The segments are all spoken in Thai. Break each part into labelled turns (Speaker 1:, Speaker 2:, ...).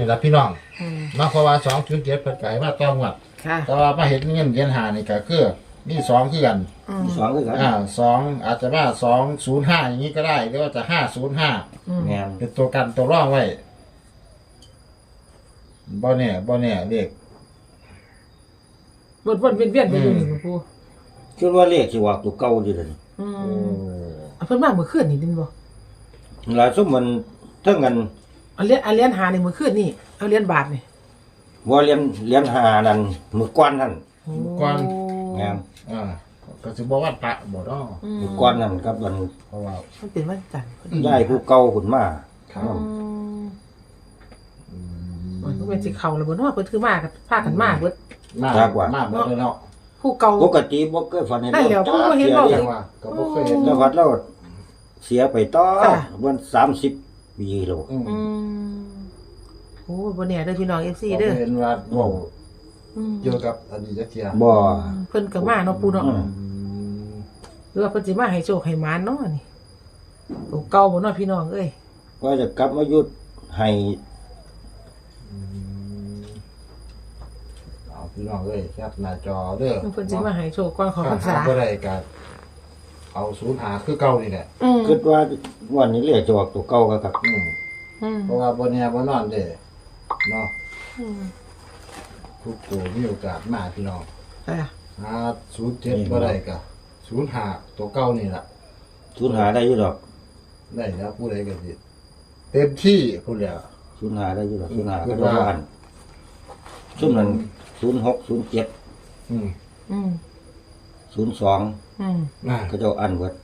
Speaker 1: นี่ละพี่น้องมาเพราะว่า207เพิ่นก็ให้มาต้องวัดแต่ว่ามาเห็นเงินเหรียญ5นี่ก็คือมี2คือกัน
Speaker 2: 2คือกัน
Speaker 1: 2อาจจะว่า205อย่างนี้ก็ได้หรือว่าจะ505
Speaker 2: แม่น
Speaker 1: เป็นตัวกันตัวรองไว้บ่แน่เลข
Speaker 3: วนๆเวียนๆไปอยู่นี่ปู่
Speaker 2: คิดว่าเลขสิว่าตัวเก่าอยู่เด้อ
Speaker 3: เพิ่นมาเมื่อคืนนี่ดินบ่
Speaker 2: หลายซุมมันเทั้งกัน
Speaker 3: เอาเหรียญหานี่เมื่อคืนนี่เอาเหรียญบาทนี่
Speaker 2: บ่เรียนหานั่นมื้อก่อนนั่น
Speaker 1: ก่อน
Speaker 2: แม่น
Speaker 1: ก็สิบ่ว่าปะบ่ดอก
Speaker 2: มื้อก่อนนั่นกับมัน
Speaker 1: เพราะว่า
Speaker 3: มันเป็นวันจันทร์
Speaker 2: ย้ายผู้เก่าขึ้นมา
Speaker 3: มันก็เป็นสิเข้าแล้วบ่เนาะเพิ่นคือมากันพากันมาเบิด
Speaker 1: มาเบิดเลยเนาะ
Speaker 3: ผู้เก่า
Speaker 2: ปกติบ่เคยฝันเห็น
Speaker 3: ผู้บ่เห็นบ่
Speaker 1: ว่าก็บ่เคยเห็น
Speaker 2: แล้ววัดเราเสียไปต่อวัน30 ปีแล้ว
Speaker 3: โอ้บ่แน่เด้อพี่น้อง FC เด้อ
Speaker 1: เห็นว่าเว้าเกี่ยวกับอดีตเที่ย
Speaker 2: บ่
Speaker 3: เพิ่นก็มาเนาะปู่เนาะหรือว่าเพิ่นสิมาให้โชคให้หมานเนาะนี่ตัวเก่าบ่เนาะพี่น้องเอ้ย
Speaker 2: ว่าจะกลับมายุดให้
Speaker 1: พี่น้องเอ้ยแคปหน้าจอเด้อ
Speaker 3: เพิ่นสิมาให้โชคก่อนของพรรษา
Speaker 1: บ่ได้ก็เอา05คือเก่านี่แหละ
Speaker 2: คิดว่าวันนี้เลขจะออกตัวเก่าก็ครับ
Speaker 1: เพราะว่าบ่แน่บ่นอนเด้เนาะทุกตัวมีโอกาสมาพี่น้อง07บ่ได้ก็05ตัวเก่านี่ล่ะ
Speaker 2: 05ได้อยู่ดอก
Speaker 1: ได้แล้วผู้ใดก็สิเต็มที่พุ่นแล้ว
Speaker 2: 05ได้อยู่ดอก05ก็ว่าอันซุ่มนั้น06 0702ก็เจ้าอันเบิด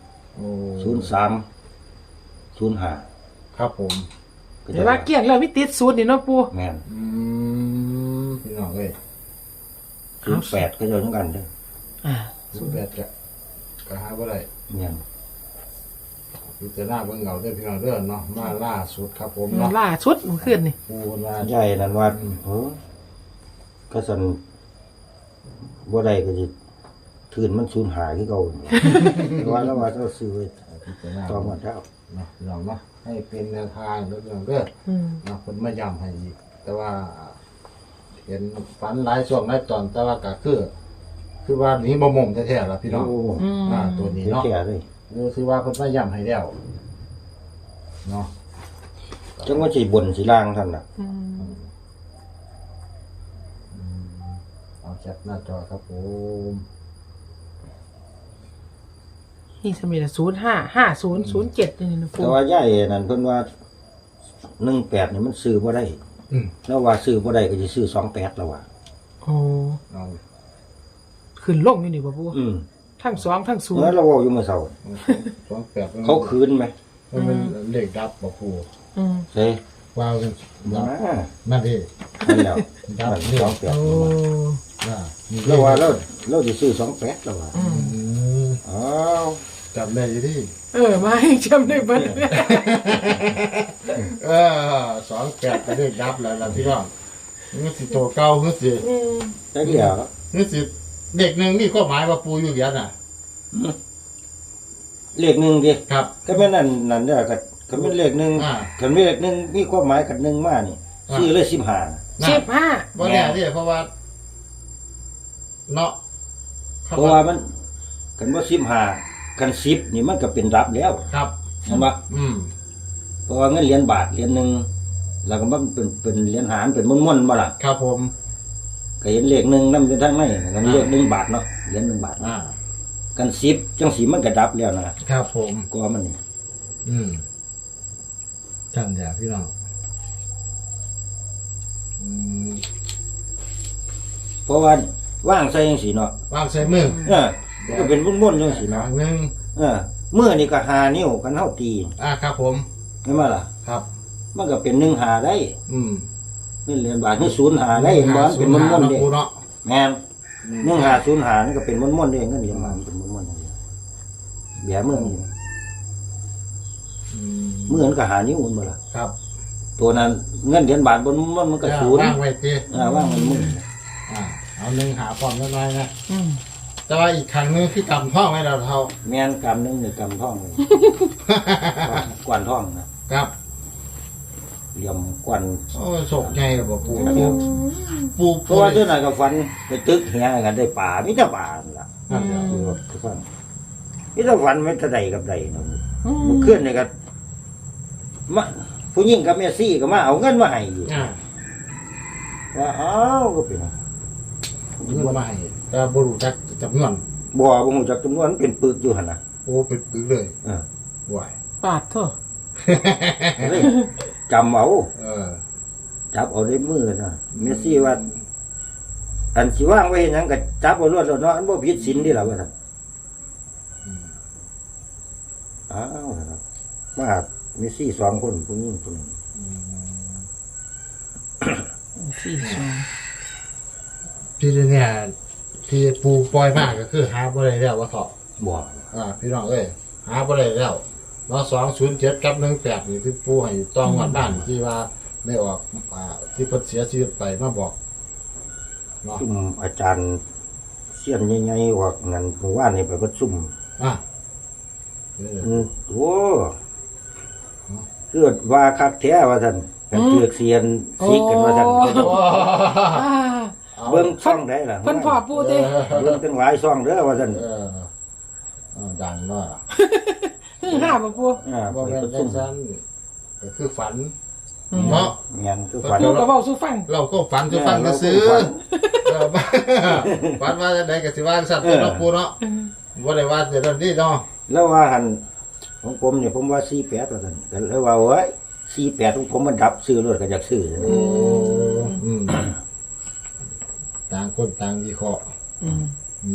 Speaker 2: 03 05
Speaker 1: ครับผม
Speaker 3: แต่ว่าเกี่ยงแล้วมีติด0นี่เนาะปู่
Speaker 2: แม่น
Speaker 1: พี่น้องเอ้ย
Speaker 2: 08ก็เจ้าทั้งกันเด้อ
Speaker 1: 08ก็หาบ่ได้
Speaker 2: แม่น
Speaker 1: พิจารณาเบิ่งเอาเด้อพี่น้องเด้อเนาะมาล่าสุดครับผมเนาะ
Speaker 3: ล่าสุดเมื่อคืนนี่
Speaker 1: ปู่ว่า
Speaker 2: ใหญ่นั่นว่าก็สั่นบ่ได้ก็สิคืนมันสูญหายคือเก่าว่าแล้วว่าเจ้าซื้อไว้ต่อมาแล้ว
Speaker 1: เนาะพี่น้องเนาะให้เป็นแนวทางเด้อพี่น้องเด้อเนาะเพิ่นมาย้ำให้อีกแต่ว่าเห็นฝันหลายช่วงหลายตอนแต่ว่าก็คือว่านี้บ่ม่งแท้ๆล่ะพี่น้องตัวนี้เนาะคือว่าเพิ่นมาย้ำให้แล้วเนาะ
Speaker 2: จังว่าสิบนสิล่างท่านน่ะ
Speaker 1: เอาแคปหน้าจอครับผม
Speaker 3: นี่สมัย055007นี่นะปู่
Speaker 2: แต่ว่าใหญ่นั่นเพิ่นว่า18นี่มันซื้อบ่ได้แล้วว่าซื้อบ่ได้ก็สิซื้อ28แล้วว่า
Speaker 3: โอ้ขึ้นลงอยู่นี่บ่ปู่ทั้ง2ทั้ง0
Speaker 2: แล้วเราเว้าอยู่เมื่อเช้า
Speaker 1: 28
Speaker 2: เขาคืนไหม
Speaker 1: มันเป็นเลขดับบ่ปู่
Speaker 2: ใช่
Speaker 1: ว้าวนั่นดิ
Speaker 2: นั่นแล้ว
Speaker 1: ดับ
Speaker 2: 28แล้วว่าเราสิซื้อ28แล้วว่าอ้าว
Speaker 1: จำได้อยู่ดิ
Speaker 3: มาให้จำได้เบิด
Speaker 1: 28เป็นเลขดับแล้วล่ะพี่น้องมันสิโตเก่าคือสิ
Speaker 2: จังเดียว
Speaker 1: คือสิเด็กนึงมีความหมายว่าปู่อยู่เหรียญน่ะ
Speaker 2: เลข1ดิ
Speaker 1: ครับ
Speaker 2: ก็แม่นนั่นเด้อก็เป็นเลข1คันมีเลข1มีความหมายกับ1มานี่ซื้อเลย15
Speaker 3: บ่
Speaker 1: แน่ดิเพราะว่าเนาะ
Speaker 2: เพราะว่ามันกันบ่15กัน10นี่มันก็เป็นรับแล้ว
Speaker 1: ครับ
Speaker 2: เห็นบ่เพราะว่าเงินเหรียญบาทเหรียญนึงแล้วก็มันเป็นเหรียญหารเป็นม้วนๆบ่ล่ะ
Speaker 1: ครับผม
Speaker 2: ก็เห็นเลข1นำอยู่ทางในกันเลข1บาทเนาะเหรียญ1บาทกัน10จังสิมันก็ดับแล้วนะครับ
Speaker 1: ผม
Speaker 2: ก็มันนี่
Speaker 1: จำได้พี่น้อง
Speaker 2: เพราะว่าว่างใส่จังซี่เนาะ
Speaker 1: ว่างใส่มือ
Speaker 2: ก็เป็นม้วนๆจังซี่เนาะ
Speaker 1: นึง
Speaker 2: มือนี่ก็5นิ้วกันเฮาตี
Speaker 1: ครับผม
Speaker 2: เห็นบ่ล่ะ
Speaker 1: ครับ
Speaker 2: มันก็เป็น1 5ได้นี่เหรียญบาทนี่0 5ได้เห็นบ่เป็นม้วนๆเด้แม่น1 5 0 5นี่ก็เป็นม้วนๆเด้เงินเหรียญบาทเป็นม้วนๆเบี้ยมือนี่มือมันก็5นิ้วบ่ล่ะ
Speaker 1: ครับ
Speaker 2: ตัวนั้นเงินเหรียญบาทบนมันก็0
Speaker 1: ว่างไว้ติ
Speaker 2: ว่างมันมือ
Speaker 1: เอา1หาพร้อมน้อยๆนะแต่ว่าอีกครั้งนึงคือกำท่องให้เราเท่า
Speaker 2: แม่นกำนึงนี่กำท่องเลยกวนท่องนะครับเหลี่ยมกวน
Speaker 1: โอ้ยโศกใหญ่เลยบ่ปูปู
Speaker 2: เพราะว่าเจ้าหน่อยก็ฝันไปตึกเฮียกันได้ป่ามีแต่ป่านั่นล่ะ
Speaker 1: นั่นแหละ
Speaker 2: คือว่าทุกคนมีแต่ฝันไม่แต่ใดกับใดเนาะเมื่อคืนนี่ก็มาผู้หญิงกับแม่ซี่ก็มาเอาเงินมาให้อยู่
Speaker 1: อ่า
Speaker 2: ว่าอ้าวก็เป็น
Speaker 1: เงินมาให้แต่บ่รู้จักจำนวน
Speaker 2: บ่ฮู้จักจำนวนเป็นปึกอยู่หั่นน่ะ
Speaker 1: โอ้เป็นปึกเลย
Speaker 2: เออ
Speaker 1: ไหว
Speaker 3: ปาดเถอะ
Speaker 2: ก็เลยจำเอา
Speaker 1: เออ
Speaker 2: จับเอาได้มือนะแม่ซี่ว่า อันสิว่างไว้เฮ็ดหยังก็จับเอารวดแล้วเนาะอันบ่ผิดศีลนี่ล่ะว่าซั่นอ้าวนะครับมาแม่ซี่2คนผู้หญิงผู้หนึง
Speaker 3: สี่สอง
Speaker 1: พี่เนี่ยที่ปูปล่อยมากก็คือหาบ่ได้แล้วว่าเถาะ
Speaker 2: บ่
Speaker 1: พี่น้องเอ้ยหาบ่ได้แล้วเนาะ207กับ18นี่ที่ปูให้ต้องวัดบ้านที่ว่าได้ออกที่เพิ่นเสียชีวิตไปมาบอกเนาะ
Speaker 2: ซุ่มอาจารย์เสียนใหญ่ๆว่างั้นเมื่อวานนี่ไปประชุม
Speaker 1: อ่ะ
Speaker 2: โอ้คือว่าคักแท้ว่าซั่นกันเตือกเสียนซิกกันว่าซั่น
Speaker 3: อ่า
Speaker 2: เบิ่งช่องได้ล่ะ
Speaker 3: เพิ่นพ่อปูเด้
Speaker 2: เบิ่งจังหลายช่องเด้อว่าซั่น
Speaker 1: ดังเนาะ
Speaker 3: ห้าบ่ปู
Speaker 2: ไป
Speaker 1: บ่แม่น
Speaker 2: ประ
Speaker 1: จั
Speaker 2: ชุ
Speaker 1: ง
Speaker 2: ม
Speaker 1: ซั่นก็คือฝันเนาะ
Speaker 2: เงี้ยคือฝัน
Speaker 3: ปูก็เว้าสู่ฟัง
Speaker 1: เราก็ฝันจะฟังก็ซื้อฝันว่าจะไหนก็สิว่าสัตว์เนาะปูเนาะบ่ได้ว่าจะนั่นนี่เนาะ
Speaker 2: แล้วว่าหันของผมเนี่ยผมว่า48ว่าซั่นก็เลยว่าโอ้ย48ของผมมันดับซื้อรถก็อยากซื้อ
Speaker 1: ต่างคนต่างวิเคราะห์
Speaker 3: อืม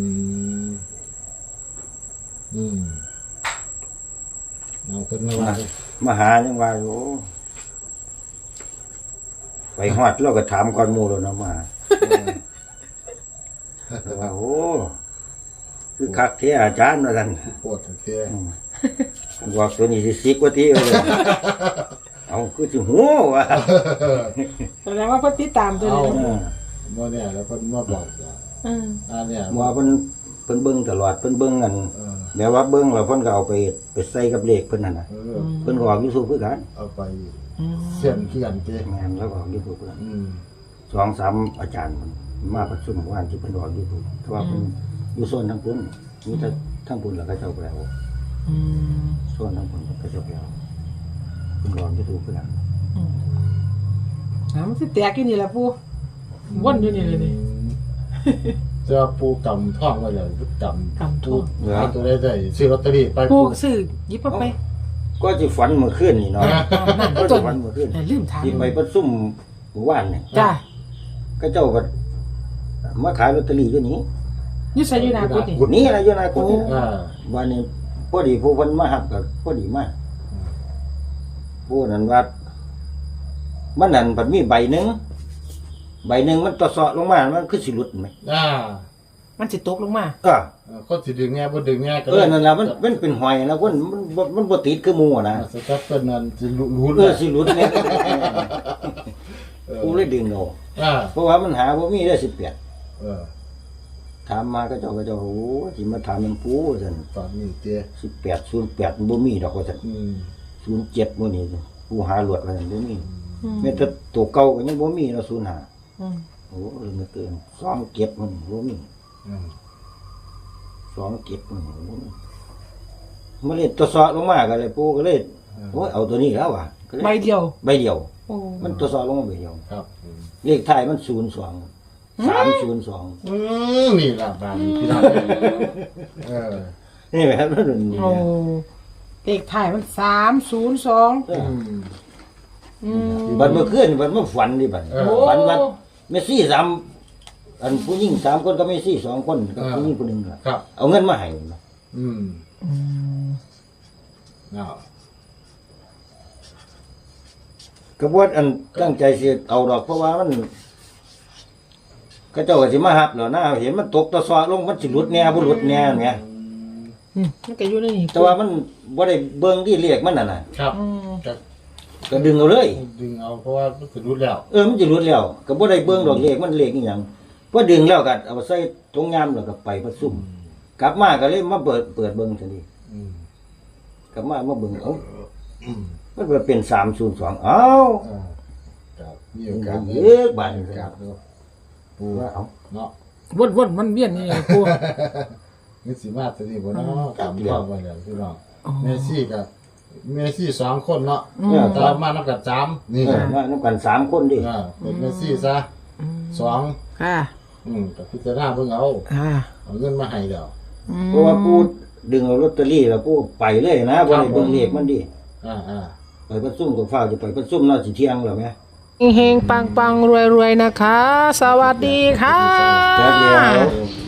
Speaker 1: เอาคนมาว่า
Speaker 2: มาหายังว่าโอ้ไปฮอดเราก็ถามก่อนหมู่แล้วเนาะมาแล้วว่าโอ้คือคักแท้อาจารย์ว่าซั่น
Speaker 1: ปวดเสีย
Speaker 2: บอกตัวนี้สิซิกว่าที่เอาเลยเอาคือสิหูว่ะ
Speaker 3: แสดงว่าเพิ่นติดตามตัวนี้
Speaker 1: บ่เนี่ยแล้วเพิ่นมาบอก เนี่ย
Speaker 2: ว่าเพิ่นเบิ่งตลอดเพิ่นเบิ่งกันแบบว่าเบิ่งแล้วเพิ่นก็เอาไปใส่กับเลขเพิ่นนั่นน่ะเพิ่นก็ออก YouTube คือกัน
Speaker 1: เอาไปเสียนเขียนเจ้
Speaker 2: แม่นแล้วก็ออก YouTube คือกัน2-3อาจารย์มันมาประชุมว่านที่เพิ่นออก YouTube เพราะว่าเพิ่นอยู่โซนทางพุ่นมีแต่ทางพุ่นแล้วก็เจ้าไปแล้วโซนทางพุ่นก็เจ้าไปแล้วเพิ่นออก YouTube คือกัน
Speaker 3: มันสิแตกอยู่นี่ล่ะปูวนอยู่นี่เลยนี่
Speaker 1: จะปูกำท่องไว้เลยกำ
Speaker 3: ท่อง
Speaker 1: หาตัวได้ซื้อลอตเตอรี่ไป
Speaker 3: ปูซื้อหยิบเอาไป
Speaker 2: ก็สิฝันเมื่อคืนนี่เนาะ
Speaker 3: นั่น
Speaker 2: ก็
Speaker 3: จ
Speaker 2: สิ
Speaker 3: น
Speaker 2: ฝันเมื่อคืน
Speaker 3: ลืมถาม
Speaker 2: ที่ไปประชุมหมู่บ้านนี่
Speaker 3: จ้า
Speaker 2: ก็เจ้าก็มาขายลอตเตอรี่อยู่นี่
Speaker 3: อยู่ไสอยู่นากุฎนี่
Speaker 2: กุดนี้อะไรอยู่นะกุดนี้
Speaker 1: อ่า
Speaker 2: วันนี้พอดีผู้เพิ่นมาหับก็พอดีมากผู้นั้นว่ามันนั่นมันมีใบหนึงมันตะเสาะลงมามันคือสิหลุดไหม
Speaker 3: มันสิตกลงมา
Speaker 1: คนสิดึงแง่บ่ดึงแง่ก็
Speaker 2: นั่นล่ะมันเป็นหอยนะมันบ่ติดคือหมู่นะ
Speaker 1: สตั๊บเป็นนั้นสิรู้
Speaker 2: สิหลุดเนี่ยกูเลยดึงเอาเพราะว่ามันหาบ่มีได้18ถามมาก็เจ้าโอ้สิมาถามมันปูซั่น
Speaker 1: ตอนนี้เตี้ย
Speaker 2: 18 08มันบ่มีดอกว่าซั่น07มื้อนี้ผู้หาหลวดว่าซั่นบ่มีแม้แต่ตัวเก่าก็ยังบ่มีเนาะ05โอ้เรื่องเกิน27มันบ่มี27มันบ่มีมาเลยตัวเสาะลงมาก็เลยปู่ก็เลยโอ้ยเอาตัวนี้แล้วว่ะก็เลย
Speaker 3: ใบเดียว
Speaker 2: ใบเดียว
Speaker 3: โอ้
Speaker 2: มันตัวเสาะลงมาใบเดียว
Speaker 1: ครับ
Speaker 2: เลขท้ายมัน02
Speaker 1: นี่ล่ะบางพี่น้อง
Speaker 2: นี่แหละครับนั่น
Speaker 3: โอ้เลขท้ายมัน302
Speaker 2: บัดเมื่อคืนบัดเมื่อฝันดิบัดฝันว่าเมสซี่3อันผู้หญิง3คนกับเมสซี่2คนกับผู้หญิงคนนึง
Speaker 1: ครับ
Speaker 2: เอาเงินมาให้ ก็บ่อันตั้งใจสิเอาดอกเพราะว่ามันก็เจ้าก็สิมาหับแล้วนะเห็นมันตกตะซอลงมันสิหลุดแน่บ่หลุดแน่แหม
Speaker 3: มันก็อยู่ในนี่
Speaker 2: แต่ว่ามันบ่ได้เบิ่งที่เลขมันน่ะนะครับ ก็ดึงเอาเลย
Speaker 1: ดึงเอาเพราะว่ามันสิรู้แล้ว
Speaker 2: มันสิหลุดแล้วก็บ่ได้เบิ่งดอกเลขมันเลขอีหยังพอดึงแล้วก็เอาใส่ถุงยามแล้วก็ไปประชุมกลับมาก็เลยมาเปิดเบิ่งซั่นดิกลับมาเบิ่งมันก็เป็น302เอ้า
Speaker 1: มีโอกาส
Speaker 2: เอ๊ะบาด
Speaker 1: มีโอกาสเนาะปู
Speaker 2: ว่าเอา
Speaker 1: เนาะ
Speaker 3: วนๆมันเวียนนี่ปู
Speaker 1: นี่สิมาตัวนี้บ่เนาะกับพ่อบ่แล้วพี่น้องเมซี่สองคนเนาะตามมานับกับ3นี่
Speaker 2: มานำกัน3คนดิ
Speaker 1: เป็นเมซี่ซะสอง
Speaker 3: ค่ะ
Speaker 1: กับพิจารณาเบิ่งเอา
Speaker 3: ค่ะ
Speaker 1: เอาเงินมาให้แล้ว
Speaker 2: เพราะว่าปูดึงเอาลอตเตอรี่แล้วปูไปเลยนะบ่ได้เบิ่งเลขมันดิ
Speaker 1: อ่า
Speaker 2: ไปประชุมกับฟ้าจะไปประชุมน่าสิเที่ยงแล้วแม่
Speaker 3: เฮงๆปังๆรวยๆนะคะ สวัสดีค่ะ
Speaker 2: แป๊บเดียว